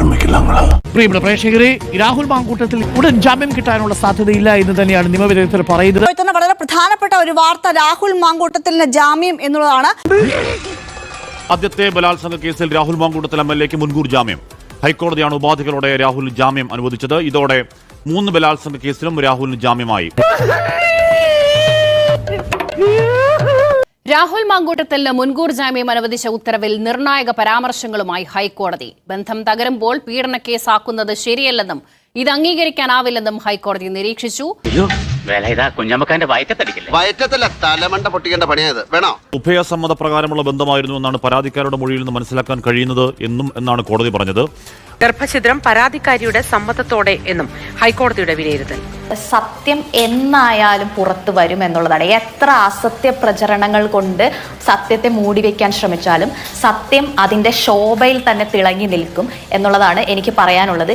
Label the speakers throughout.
Speaker 1: പ്രിയപ്പെട്ട പ്രേക്ഷകരെ, രാഹുൽ മാങ്കൂട്ടത്തിൽ ഉടൻ ജാമ്യം കിട്ടാനുള്ള സാധ്യതയില്ല എന്ന് തന്നെയാണ് നിയമവിദഗ്ധർ പറയുന്നത്.
Speaker 2: വളരെ പ്രധാനപ്പെട്ട ഒരു വാർത്ത, രാഹുൽ മാങ്കൂട്ടത്തിന് ജാമ്യം എന്നുള്ളതാണ്.
Speaker 3: ആദ്യത്തെ ബലാത്സംഗ കേസിൽ രാഹുൽ മാങ്കൂട്ടത്തിൽ MLA-ക്ക് മുൻകൂർ ജാമ്യം. ഹൈക്കോടതിയാണ് ഉപാധികളോടെ രാഹുലിന് ജാമ്യം അനുവദിച്ചത്. ഇതോടെ 3 ബലാത്സംഗ കേസിലും രാഹുലിന് ജാമ്യമായി.
Speaker 4: രാഹുൽ മാങ്കൂട്ടത്തിന് മുൻകൂർ ജാമ്യം അനുവദിച്ച ഉത്തരവിൽ നിർണായക പരാമർശങ്ങളുമായി ഹൈക്കോടതി. ബന്ധം തകരുമ്പോൾ പീഡന കേസാക്കുന്നത് ശരിയല്ലെന്നും ഇത് അംഗീകരിക്കാനാവില്ലെന്നും ഹൈക്കോടതി നിരീക്ഷിച്ചു.
Speaker 3: ഉഭയസമ്മത പ്രകാരമുള്ള ബന്ധമായിരുന്നു എന്നാണ് പരാതിക്കാരുടെ മൊഴിയിൽ നിന്ന് മനസ്സിലാക്കാൻ കഴിയുന്നത് എന്നാണ് കോടതി പറഞ്ഞത്.
Speaker 5: ഗർഭഛിദ്രം പരാതിക്കാരിയുടെ സമ്മതത്തോടെ എന്നും ഹൈക്കോടതിയുടെ വിലയിരുത്തൽ.
Speaker 6: സത്യം എന്നായാലും പുറത്തു വരും എന്നുള്ളതാണ്. എത്ര അസത്യ പ്രചരണങ്ങൾ കൊണ്ട് സത്യത്തെ മൂടിവെക്കാൻ ശ്രമിച്ചാലും സത്യം അതിന്റെ ശോഭയിൽ തന്നെ തിളങ്ങി നിൽക്കും എന്നുള്ളതാണ് എനിക്ക് പറയാനുള്ളത്.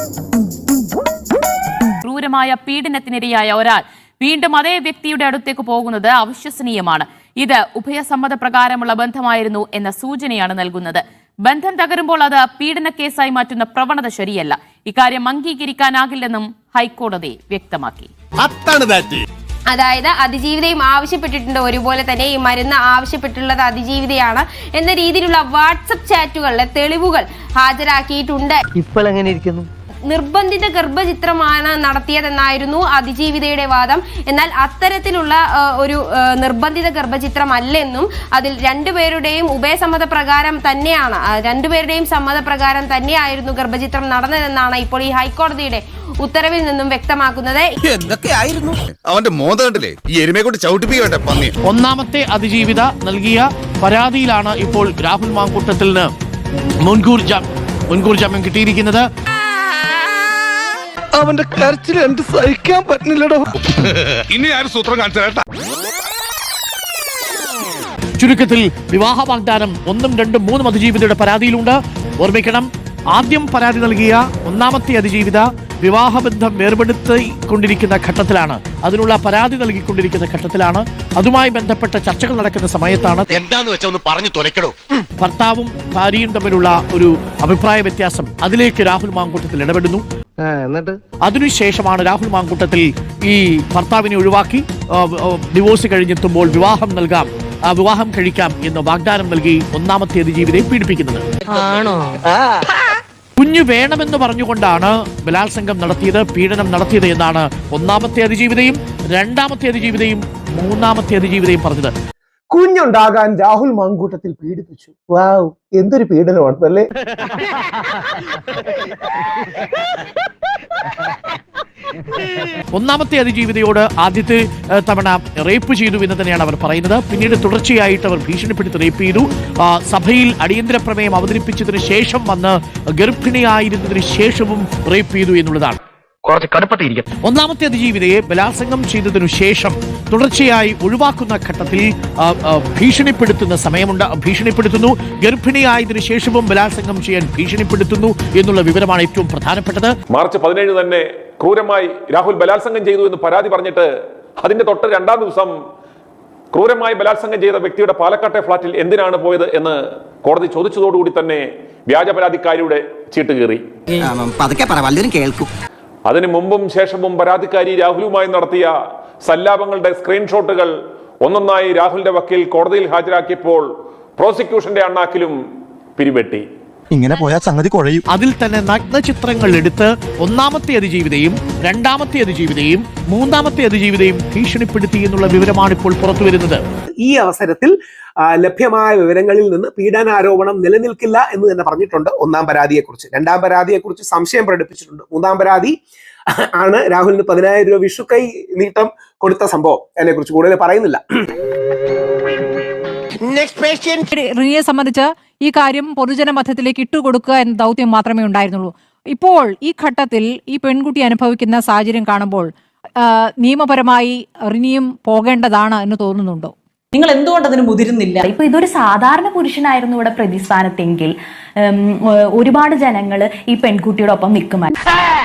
Speaker 7: ക്രൂരമായ പീഡനത്തിനിരയായ ഒരാൾ വീണ്ടും അതേ വ്യക്തിയുടെ അടുത്തേക്ക് പോകുന്നത് അവിശ്വസനീയമാണ്. ഇത് ഉഭയസമ്മത പ്രകാരമുള്ള ബന്ധമായിരുന്നു എന്ന സൂചനയാണ് നൽകുന്നത്. ബന്ധം തകരുമ്പോൾ അത് പീഡന കേസായി മാറ്റുന്ന പ്രവണത ശരിയല്ല. ഇക്കാര്യം അംഗീകരിക്കാനാകില്ലെന്നും ഹൈക്കോടതി വ്യക്തമാക്കി.
Speaker 8: അതായത് അതിജീവിതയും ആവശ്യപ്പെട്ടിട്ടുണ്ട്, ഒരുപോലെ തന്നെ ഈ മരുന്ന് ആവശ്യപ്പെട്ടുള്ളത് അതിജീവിതയാണ് എന്ന രീതിയിലുള്ള വാട്സപ്പ് ചാറ്റുകളിലെ തെളിവുകൾ ഹാജരാക്കിയിട്ടുണ്ട്.
Speaker 9: ഇപ്പോൾ എങ്ങനെ ഇരിക്കുന്നു?
Speaker 8: നിർബന്ധിത ഗർഭചിത്രമാണ് നടത്തിയതെന്നായിരുന്നു അതിജീവിതയുടെ വാദം. എന്നാൽ അത്തരത്തിലുള്ള ഒരു നിർബന്ധിത ഗർഭചിത്രമല്ലെന്നും അതിൽ രണ്ടുപേരുടെയും ഉഭയസമ്മത പ്രകാരം തന്നെയാണ്, രണ്ടുപേരുടെയും സമ്മതപ്രകാരം തന്നെയായിരുന്നു ഗർഭചിത്രം നടന്നതെന്നാണ് ഇപ്പോൾ ഈ ഹൈക്കോടതിയുടെ ഉത്തരവിൽ നിന്നും വ്യക്തമാക്കുന്നത്.
Speaker 1: ഒന്നാമത്തെ അതിജീവിത നൽകിയ പരാതിയിലാണ് ഇപ്പോൾ രാഹുൽ മാങ്കൂട്ടത്തിന് മുൻകൂർ ജാമ്യം കിട്ടിയിരിക്കുന്നത്.
Speaker 9: അവന്റെ കരച്ചിൽ എന്ത് സഹിക്കാൻ പറ്റുന്നില്ലടോ.
Speaker 10: ഇനി ആരും സൂത്രം കാണിച്ചാ.
Speaker 1: ചുരുക്കത്തിൽ വിവാഹ വാഗ്ദാനം 1, 2, 3 അതിജീവിതയുടെ പരാതിയിലുണ്ട്. ഓർമ്മിക്കണം, ആദ്യം പരാതി നൽകിയ ഒന്നാമത്തെ അതിജീവിത വിവാഹബന്ധം വേർപെടുത്തിക്കൊണ്ടിരിക്കുന്ന ഘട്ടത്തിലാണ്, അതിനുള്ള പരാതി നൽകിക്കൊണ്ടിരിക്കുന്ന ഘട്ടത്തിലാണ്. അതുമായി ബന്ധപ്പെട്ട ചർച്ചകൾ നടക്കുന്ന സമയത്താണ്
Speaker 10: എന്താന്ന് വെച്ചാ ഒന്ന് പറഞ്ഞു തുലക്കടോ.
Speaker 1: ഭർത്താവും ഭാര്യയും തമ്മിലുള്ള ഒരു അഭിപ്രായ വ്യത്യാസം, അതിലേക്ക് രാഹുൽ മാങ്കൂട്ടത്തിൽ ഇടപെടുന്നു. അതിനുശേഷമാണ് രാഹുൽ മാങ്കൂട്ടത്തിൽ ഈ ഭർത്താവിനെ ഒഴിവാക്കി ഡിവോഴ്സ് കഴിഞ്ഞെത്തുമ്പോൾ വിവാഹം കഴിക്കാം എന്ന് വാഗ്ദാനം നൽകി ഒന്നാമത്തെ അതിജീവിതയെ പീഡിപ്പിക്കുന്നത്. കുഞ്ഞു വേണമെന്ന് പറഞ്ഞുകൊണ്ടാണ് ബലാത്സംഗം നടത്തിയത്, പീഡനം നടത്തിയത് എന്നാണ് ഒന്നാമത്തെ അതിജീവിതയും 2ാമത്തെ അതിജീവിതയും 3ാമത്തെ അതിജീവിതയും പറഞ്ഞത്.
Speaker 9: കുഞ്ഞുണ്ടാകാൻ രാഹുൽ മാങ്കൂട്ടത്തിൽ പീഡിപ്പിച്ചു. വാവ്, എന്തൊരു പീഡനമാണ് അല്ലേ.
Speaker 1: ഒന്നാമത്തെ അതിജീവിതയോട് ആദ്യത്തെ തവണ റേപ്പ് ചെയ്തു എന്ന് തന്നെയാണ് അവർ പറയുന്നത്. പിന്നീട് തുടർച്ചയായിട്ട് അവർ ഭീഷണിപ്പെടുത്തി റേപ്പ് ചെയ്തു. സഭയിൽ അടിയന്തര പ്രമേയം അവതരിപ്പിച്ചതിന് ശേഷം വന്ന് ഗർഭിണിയായിരുന്നതിന് ശേഷവും റേപ്പ് ചെയ്തു എന്നുള്ളതാണ്. ഒന്നാമത്തെ അതിജീവിതയെ ബലാത്സംഗം ചെയ്തതിനു ശേഷം തുടർച്ചയായി ഒഴിവാക്കുന്ന ഘട്ടത്തിൽ ഭീഷണിപ്പെടുത്തുന്നു. ഗർഭിണിയായതിനു ശേഷവും ബലാത്സംഗം ചെയ്യാൻ ഭീഷണിപ്പെടുത്തുന്നു എന്നുള്ള വിവരമാണ് ഏറ്റവും പ്രധാനപ്പെട്ടത്.
Speaker 11: മാർച്ച് 17 തന്നെ ക്രൂരമായി രാഹുൽ ബലാത്സംഗം ചെയ്തു എന്ന് പരാതി പറഞ്ഞിട്ട് അതിന്റെ തൊട്ട് 2ാം ദിവസം ക്രൂരമായി ബലാത്സംഗം ചെയ്ത വ്യക്തിയുടെ പാലക്കാട്ടെ ഫ്ളാറ്റിൽ എന്തിനാണ് പോയത് എന്ന് കോടതി ചോദിച്ചതോടുകൂടി തന്നെ വ്യാജ പരാതിക്കാരിയുടെ ചീട്ട് കീറി. അതിനു മുമ്പും ശേഷവും പരാതിക്കാരി രാഹുലുമായി നടത്തിയ സല്ലാപങ്ങളുടെ സ്ക്രീൻഷോട്ടുകൾ ഒന്നൊന്നായി രാഹുലിന്റെ വക്കീൽ കോടതിയിൽ ഹാജരാക്കിയപ്പോൾ പ്രോസിക്യൂഷന്റെ അണ്ണാക്കിലും പിരിവെട്ടി.
Speaker 9: ഇങ്ങനെ പോയാൽ സംഗതി കുഴയും.
Speaker 1: അതിൽ തന്നെ നഗ്നചിത്രങ്ങൾ എടുത്ത് ഒന്നാമത്തെ അതിജീവിതയും 2ാമത്തെ അതിജീവിതയും 3ാമത്തെ അതിജീവിതയും ഭീഷണിപ്പെടുത്തി എന്നുള്ള വിവരമാണ് ഇപ്പോൾ പുറത്തുവരുന്നത്.
Speaker 12: ഈ അവസരത്തിൽ ലഭ്യമായ വിവരങ്ങളിൽ നിന്ന് പീഡനാരോപണം നിലനിൽക്കില്ല എന്ന് തന്നെ പറഞ്ഞിട്ടുണ്ട്. 1ാം പരാതിയെക്കുറിച്ച്. 2ാം പരാതിയെക്കുറിച്ച് സംശയം പ്രകടിപ്പിച്ചിട്ടുണ്ട്. 3ാം പരാതി ആണ് രാഹുലിന് 10,000 രൂപ വിഷുക്കൈ നീട്ടം കൊടുത്ത സംഭവം. അതിനെക്കുറിച്ച് കൂടുതൽ പറയുന്നില്ല.
Speaker 13: റിനിയെ സംബന്ധിച്ച് ഈ കാര്യം പൊതുജന മധ്യത്തിലേക്ക് ഇട്ടുകൊടുക്കുക എന്ന ദൗത്യം മാത്രമേ ഉണ്ടായിരുന്നുള്ളൂ. ഇപ്പോൾ ഈ ഘട്ടത്തിൽ ഈ പെൺകുട്ടി അനുഭവിക്കുന്ന സാഹചര്യം കാണുമ്പോൾ നിയമപരമായി റിനിയും പോകേണ്ടതാണ് എന്ന് തോന്നുന്നുണ്ടോ?
Speaker 6: നിങ്ങൾ എന്തുകൊണ്ട് അതിന് മുതിരുന്നില്ല? ഇപ്പൊ ഇതൊരു സാധാരണ പുരുഷനായിരുന്നു ഇവിടെ പ്രതിസ്ഥാനത്തെങ്കിൽ ഒരുപാട് ജനങ്ങൾ ഈ പെൺകുട്ടിയുടെ ഒപ്പം നിൽക്കുമായിരുന്നു.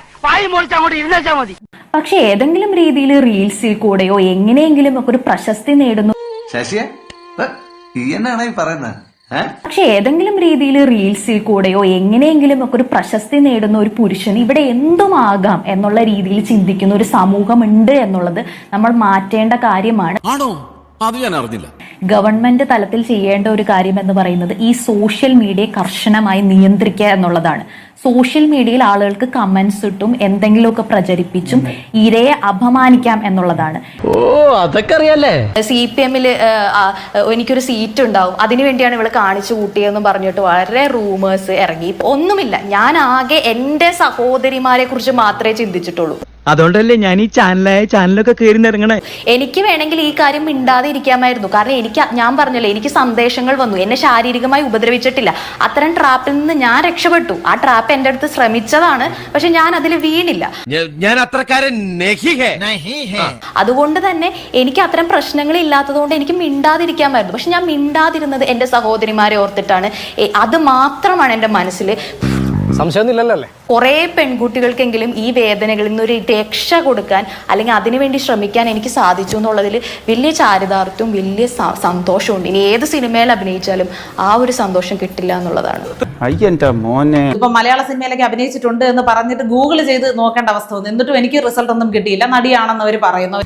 Speaker 6: പക്ഷെ ഏതെങ്കിലും രീതിയിൽ റീൽസിൽ കൂടെയോ എങ്ങനെയെങ്കിലും ഒക്കെ ഒരു പ്രശസ്തി നേടുന്നു.
Speaker 14: ശശിയെ എന്നാണ് ഈ പറയുന്നത്?
Speaker 6: പക്ഷെ ഏതെങ്കിലും രീതിയിൽ റീൽസിൽ കൂടെയോ എങ്ങനെയെങ്കിലും ഒക്കെ ഒരു പ്രശസ്തി നേടുന്ന ഒരു പുരുഷന് ഇവിടെ എന്തുമാകാം എന്നുള്ള രീതിയിൽ ചിന്തിക്കുന്ന ഒരു സമൂഹമുണ്ട് എന്നുള്ളത് നമ്മൾ മാറ്റേണ്ട കാര്യമാണ്.
Speaker 10: ആണോ? അത് ഞാൻ അറിഞ്ഞില്ല.
Speaker 6: ഗവൺമെന്റ് തലത്തിൽ ചെയ്യേണ്ട ഒരു കാര്യം എന്ന് പറയുന്നത് ഈ സോഷ്യൽ മീഡിയ കർശനമായി നിയന്ത്രിക്കുക എന്നുള്ളതാണ്. സോഷ്യൽ മീഡിയയിൽ ആളുകൾക്ക് കമന്റ്സ് ഇട്ടും എന്തെങ്കിലുമൊക്കെ പ്രചരിപ്പിച്ചും ഇരയെ അപമാനിക്കാം എന്നുള്ളതാണ്.
Speaker 10: ഓ, അതൊക്കെ അറിയാലേ.
Speaker 6: CPM-ൽ എനിക്കൊരു സീറ്റ് ഉണ്ടാവും, അതിനുവേണ്ടിയാണ് ഇവള് കാണിച്ചു കൂട്ടിയെന്ന് പറഞ്ഞിട്ട് വളരെ റൂമേഴ്സ് ഇറങ്ങി. ഒന്നുമില്ല, ഞാൻ ആകെ എന്റെ സഹോദരിമാരെ കുറിച്ച് മാത്രമേ ചിന്തിച്ചിട്ടുള്ളൂ.
Speaker 10: അതുകൊണ്ടല്ലേ ഞാൻ ഈ ചാനലൊക്കെ കയറി നിറങ്ങണേ.
Speaker 6: എനിക്ക് വേണമെങ്കിൽ ഈ കാര്യം മിണ്ടാതെ ഇരിക്കാമായിരുന്നു. കാരണം ഞാൻ പറഞ്ഞല്ലോ, എനിക്ക് സന്ദേശങ്ങൾ വന്നു. എന്നെ ശാരീരികമായി ഉപദ്രവിച്ചിട്ടില്ല. അത്തരം ട്രാപ്പിൽ നിന്ന് ഞാൻ രക്ഷപ്പെട്ടു. ആ ട്രാപ്പ് എന്റെ അടുത്ത് ശ്രമിച്ചതാണ്, പക്ഷെ ഞാൻ അതിൽ വീണില്ല.
Speaker 10: ഞാൻ അത്രക്കാരൻ.
Speaker 6: അതുകൊണ്ട് തന്നെ എനിക്ക് അത്തരം പ്രശ്നങ്ങൾ ഇല്ലാത്തതുകൊണ്ട് എനിക്ക് മിണ്ടാതിരിക്കാമായിരുന്നു. പക്ഷെ ഞാൻ മിണ്ടാതിരുന്നത് എന്റെ സഹോദരിമാരെ ഓർത്തിട്ടാണ്. അത് മാത്രമാണ് എന്റെ മനസ്സിൽ.
Speaker 10: സംശയമൊന്നുമില്ലല്ലേ?
Speaker 6: കുറെ പെൺകുട്ടികൾക്കെങ്കിലും ഈ വേദനകളിൽ നിന്ന് ഒരു രക്ഷ കൊടുക്കാൻ അല്ലെങ്കിൽ അതിനുവേണ്ടി ശ്രമിക്കാൻ എനിക്ക് സാധിച്ചു എന്നുള്ളതിൽ വലിയ ചാരിതാർത്ഥ്യവും വലിയ സന്തോഷമുണ്ട്. ഇനി ഏത് സിനിമയിൽ അഭിനയിച്ചാലും ആ ഒരു സന്തോഷം കിട്ടില്ല എന്നുള്ളതാണ്.
Speaker 14: ഇപ്പൊ മലയാള സിനിമയിലൊക്കെ അഭിനയിച്ചിട്ടുണ്ട് എന്ന് പറഞ്ഞിട്ട് ഗൂഗിൾ ചെയ്ത് നോക്കേണ്ട അവസ്ഥ വന്നു. എന്നിട്ടും എനിക്ക് റിസൾട്ട് ഒന്നും കിട്ടിയില്ല. നടിയാണെന്ന് അവർ പറയുന്നു.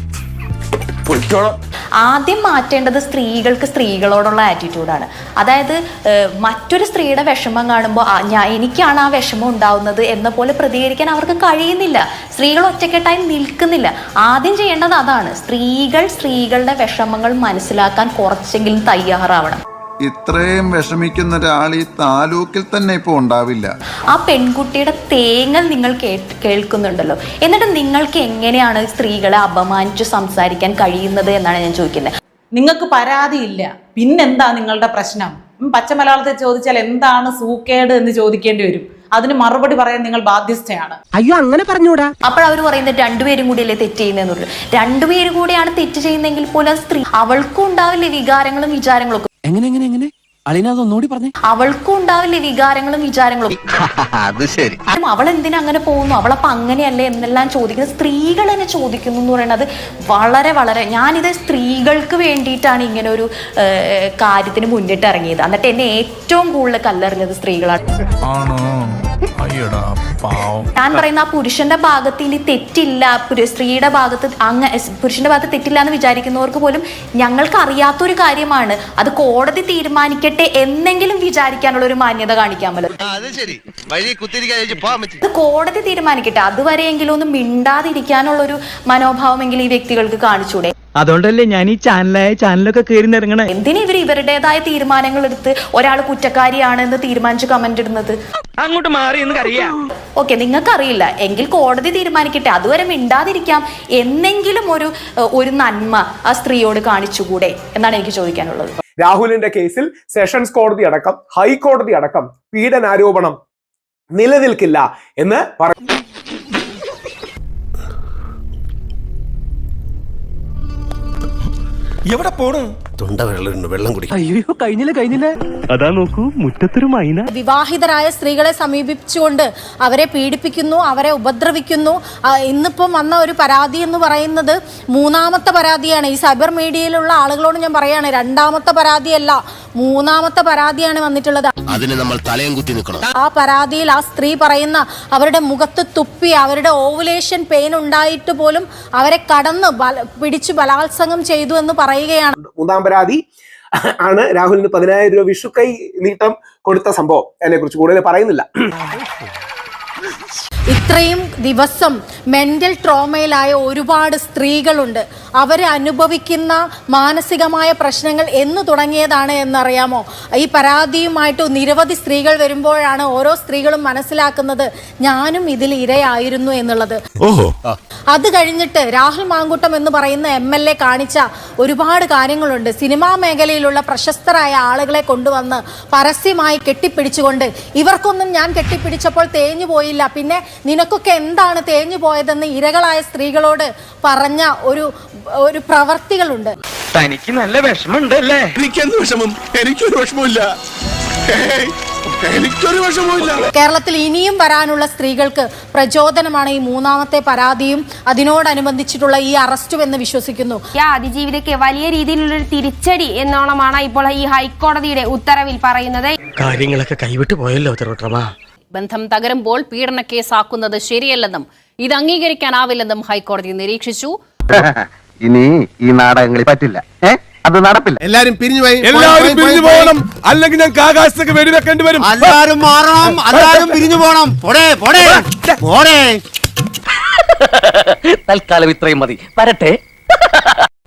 Speaker 6: ആദ്യം മാറ്റേണ്ടത് സ്ത്രീകൾക്ക് സ്ത്രീകളോടുള്ള ആറ്റിറ്റ്യൂഡാണ്. അതായത് മറ്റൊരു സ്ത്രീയുടെ വിഷമം കാണുമ്പോൾ എനിക്കാണ് ആ വിഷമം ഉണ്ടാവുന്നത് എന്ന പോലെ പ്രതികരിക്കാൻ അവർക്ക് കഴിയുന്നില്ല. സ്ത്രീകൾ ഒറ്റക്കെട്ടായി നിൽക്കുന്നില്ല. ആദ്യം ചെയ്യേണ്ടത് അതാണ്. സ്ത്രീകളുടെ വിഷമങ്ങൾ മനസ്സിലാക്കാൻ കുറച്ചെങ്കിലും തയ്യാറാവണം.
Speaker 15: ഇത്രയും വിഷമിക്കുന്ന ഒരാൾ ഈ താലൂക്കിൽ തന്നെ ഇപ്പൊ ഉണ്ടാവില്ല.
Speaker 6: ആ പെൺകുട്ടിയുടെ തേങ്ങൽ നിങ്ങൾ കേൾക്കുന്നുണ്ടല്ലോ, എന്നിട്ട് നിങ്ങൾക്ക് എങ്ങനെയാണ് സ്ത്രീകളെ അപമാനിച്ചു സംസാരിക്കാൻ കഴിയുന്നത് എന്നാണ് ഞാൻ ചോദിക്കുന്നത്.
Speaker 14: നിങ്ങൾക്ക് പരാതിയില്ല, പിന്നെന്താ നിങ്ങളുടെ പ്രശ്നം? പച്ച മലയാളത്തിൽ ചോദിച്ചാൽ എന്താണ് സൂക്കേട് എന്ന് ചോദിക്കേണ്ടി വരും. അതിന് മറുപടി പറയാൻ നിങ്ങൾ ബാധ്യസ്ഥയാണ്.
Speaker 12: അയ്യോ, അങ്ങനെ പറഞ്ഞൂടാ.
Speaker 6: അപ്പോൾ അവർ പറയുന്നത് രണ്ടുപേരും കൂടിയല്ലേ തെറ്റ് ചെയ്യുന്നതെന്നുള്ളൂ. രണ്ടുപേരും കൂടിയാണ് തെറ്റ് ചെയ്യുന്നെങ്കിൽ പോലും സ്ത്രീ അവൾക്കും ഉണ്ടാവില്ലേ വികാരങ്ങളും വിചാരങ്ങളും.
Speaker 10: എങ്ങനെ അളിനോടി പറഞ്ഞേ.
Speaker 6: അവൾക്കും ഉണ്ടാവില്ലേ വികാരങ്ങളും വിചാരങ്ങളും.
Speaker 10: അത് ശരി.
Speaker 6: അവൾ എന്തിനാ അങ്ങനെ പോകുന്നു, അവളപ്പോ അങ്ങനെയല്ലേ എന്നെല്ലാം ചോദിക്കുന്നത് സ്ത്രീകൾ തന്നെ ചോദിക്കുന്നു എന്ന് പറയുന്നത് വളരെ വളരെ. ഞാനിത് സ്ത്രീകൾക്ക് വേണ്ടിയിട്ടാണ് ഇങ്ങനെ ഒരു കാര്യത്തിന് മുന്നിട്ട് ഇറങ്ങിയത്. എന്നിട്ട് എന്നെ ഏറ്റവും കൂടുതൽ കല്ലെറിഞ്ഞത് സ്ത്രീകളാണ്. ഞാൻ പറയുന്ന ആ പുരുഷന്റെ ഭാഗത്ത് ഇനി തെറ്റില്ല, സ്ത്രീയുടെ ഭാഗത്ത് പുരുഷന്റെ ഭാഗത്ത് തെറ്റില്ല എന്ന് വിചാരിക്കുന്നവർക്ക് പോലും ഞങ്ങൾക്ക് അറിയാത്തൊരു കാര്യമാണ്. അത് കോടതി തീരുമാനിക്കട്ടെ എന്നെങ്കിലും വിചാരിക്കാനുള്ള ഒരു മാന്യത കാണിക്കാമല്ലോ. അത് കോടതി തീരുമാനിക്കട്ടെ, അതുവരെയെങ്കിലും ഒന്ന് മിണ്ടാതിരിക്കാനുള്ള ഒരു മനോഭാവമെങ്കിലും ഈ വ്യക്തികൾക്ക് കാണിച്ചൂടെ?
Speaker 10: അതുകൊണ്ടല്ലേ ഞാൻ ഈ ചാനലൊക്കെ കയറി നിറങ്ങണേ.
Speaker 6: എന്തിനാ ഇവരുടേതായ തീരുമാനങ്ങൾ എടുത്ത് ഒരാൾ കുറ്റക്കാരിയാണ് എന്ന് തീരുമാനിച്ച് കമന്റ് ഇടുന്നത്?
Speaker 10: അങ്ങോട്ട് മാറി എന്ന് അറിയാം.
Speaker 6: ഓക്കെ, നിങ്ങൾക്കറിയില്ല എങ്കിൽ കോടതി തീരുമാനിക്കട്ടെ. അതുവരെ മിണ്ടാതിരിക്കാം. എന്നെങ്കിലും ഒരു നന്മ ആ സ്ത്രീയോട് കാണിച്ചുകൂടെ എന്നാണ് എനിക്ക് ചോദിക്കാനുള്ളത്.
Speaker 12: രാഹുലിന്റെ കേസിൽ സെഷൻസ് കോടതി അടക്കം ഹൈക്കോടതി അടക്കം പീഡനാരോപണം നിലനിൽക്കില്ല എന്ന് പറഞ്ഞു.
Speaker 10: എവിടെ പോണു? തൊണ്ട വെള്ളം കുടി. അയ്യോ, കഴിഞ്ഞില്ല. അതാ നോക്കൂ, മുറ്റത്തൊരു മൈന.
Speaker 2: വിവാഹിതരായ സ്ത്രീകളെ സമീപിച്ചുകൊണ്ട് അവരെ പീഡിപ്പിക്കുന്നു, അവരെ ഉപദ്രവിക്കുന്നു. ഇന്നിപ്പം വന്ന ഒരു പരാതി എന്ന് പറയുന്നത് 3ാമത്തെ പരാതിയാണ്. ഈ സൈബർ മീഡിയയിലുള്ള ആളുകളോട് ഞാൻ പറയാണ്, 2ാമത്തെ പരാതിയല്ല, 3ാമത്തെ പരാതിയാണ് വന്നിട്ടുള്ളത്.
Speaker 10: അതിന് നമ്മൾ തലയും കുത്തി നിൽക്കണം.
Speaker 2: ആ പരാതിയിൽ ആ സ്ത്രീ പറയുന്ന അവരുടെ മുഖത്ത് തുപ്പി അവരുടെ ഓവുലേഷൻ പെയിൻ ഉണ്ടായിട്ട് പോലും അവരെ കടന്ന് പിടിച്ചു ബലാത്സംഗം ചെയ്തു എന്ന് പറയുകയാണ്.
Speaker 12: 3ാം പരാതി ആണ് രാഹുലിന് 10,000 രൂപ വിഷുക്കൈ നീട്ടം കൊടുത്ത സംഭവം. അതിനെ കുറിച്ച് കൂടുതൽ പറയുന്നില്ല.
Speaker 2: ഇത്രയും ദിവസം മെന്റൽ ട്രോമയിലായ ഒരുപാട് സ്ത്രീകളുണ്ട്. അവരെ അനുഭവിക്കുന്ന മാനസികമായ പ്രശ്നങ്ങൾ എന്ന് തുടങ്ങിയതാണ് എന്നറിയാമോ? ഈ പരാതിയുമായിട്ട് നിരവധി സ്ത്രീകൾ വരുമ്പോഴാണ് ഓരോ സ്ത്രീകളും മനസ്സിലാക്കുന്നത് ഞാനും ഇതിൽ ഇരയായിരുന്നു എന്നുള്ളത്. അത് കഴിഞ്ഞിട്ട് രാഹുൽ മാങ്കൂട്ടം എന്ന് പറയുന്ന MLA കാണിച്ച ഒരുപാട് കാര്യങ്ങളുണ്ട്. സിനിമാ മേഖലയിലുള്ള പ്രശസ്തരായ ആളുകളെ കൊണ്ടുവന്ന് പരസ്യമായി കെട്ടിപ്പിടിച്ചുകൊണ്ട് ഇവർക്കൊന്നും ഞാൻ കെട്ടിപ്പിടിച്ചപ്പോൾ തേഞ്ഞു പോയില്ല, പിന്നെ നിനക്കൊക്കെ എന്താണ് തേഞ്ഞു പോയതെന്ന് ഇരകളായ സ്ത്രീകളോട് പറഞ്ഞ ഒരു പ്രവർത്തികളുണ്ട്.
Speaker 10: തനിക്ക് നല്ല വിഷമമുണ്ടല്ലേ? എനിക്കൊരു വിഷമമില്ല. എനിക്കൊരു വിഷമവുമില്ല.
Speaker 2: കേരളത്തിൽ ഇനിയും വരാനുള്ള സ്ത്രീകൾക്ക് പ്രചോദനമാണ് ഈ മൂന്നാമത്തെ പരാതിയും അതിനോടനുബന്ധിച്ചിട്ടുള്ള ഈ അറസ്റ്റും എന്ന് വിശ്വസിക്കുന്നു.
Speaker 8: ഈ അതിജീവിതയ്ക്ക് വലിയ രീതിയിലുള്ളൊരു തിരിച്ചടി എന്നോണമാണ് ഇപ്പോൾ ഈ ഹൈക്കോടതിയുടെ ഉത്തരവിൽ പറയുന്നത്.
Speaker 10: കാര്യങ്ങളൊക്കെ കൈവിട്ട് പോയല്ലോ തിരുവട്ടമാ.
Speaker 4: ബന്ധം തകരുമ്പോൾ പീഡന കേസാക്കുന്നത് ശരിയല്ലെന്നും ഇത് അംഗീകരിക്കാനാവില്ലെന്നും ഹൈക്കോടതി നിരീക്ഷിച്ചു.
Speaker 10: ഇനി ഈ നാടകങ്ങളിൽ പറ്റില്ല, അത് നടപ്പില്ല.
Speaker 15: എല്ലാരും പിരിഞ്ഞു പോയി,
Speaker 10: എല്ലാവരും പിരിഞ്ഞു പോകണം, അല്ലെങ്കിൽ ഞങ്ങൾക്ക് ആകാശത്തേക്ക് വെടിവെക്കേണ്ടി വരും.
Speaker 15: എല്ലാരും മാറണം, എല്ലാരും പിരിഞ്ഞു പോണം.
Speaker 10: തൽക്കാലം ഇത്രയും മതി, വരട്ടെ.